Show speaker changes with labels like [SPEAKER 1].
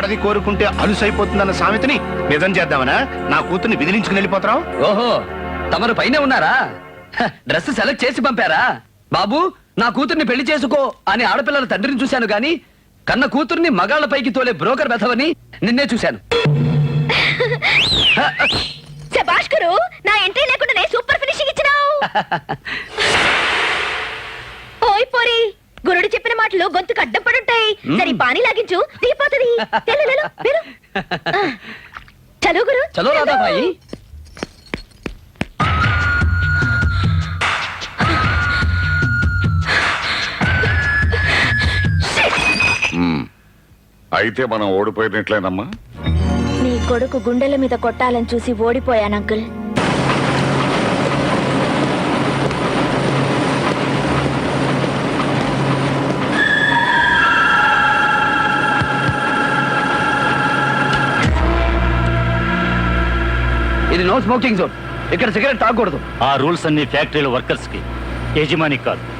[SPEAKER 1] ఆడది కోరుకుంటే అలుసైపోతుందన్న సామెతని నిజం చేద్దామనా? నా కూతుర్ని విదిలించుకుని వెళ్ళిపోతావు?
[SPEAKER 2] ఓహో, తమరు పైనే ఉన్నారా? డ్రెస్ సెలెక్ట్ చేసి పంపారా? బాబు, నా కూతుర్ని పెళ్లి చేసుకో అని ఆడపిల్లల తండ్రిని చూశాను గాని కన్న కూతుర్ని మగాళ్ళ పైకి తోలే బ్రోకర్ బెథవని నిన్నే చూశాను.
[SPEAKER 3] శభాష్ గురు, నా ఎంట్రీ లేకుండానే సూపర్ ఫినిషింగ్ ఇచ్చినావు. ఓయ్ పోరి, గురుడు చెప్పిన మాటలు గొంతుకు అడ్డం పడుంటాయి. సరే పానీ లాగించు, దిగిపోతుంది. చలో గురు,
[SPEAKER 2] చలో రాధా భాయి.
[SPEAKER 4] అయితే మనం ఓడిపోయినట్లేనమ్మా.
[SPEAKER 3] నీ కొడుకు గుండెల మీద కొట్టాలని చూసి ఓడిపోయాను అంకుల్.
[SPEAKER 2] ఇది నో స్మోకింగ్ జోన్. ఇక్కడ సిగరెట్ తాగకూడదు.
[SPEAKER 5] ఆ రూల్స్ అన్ని ఫ్యాక్టరీల వర్కర్స్ కి, యజమాని కాదు.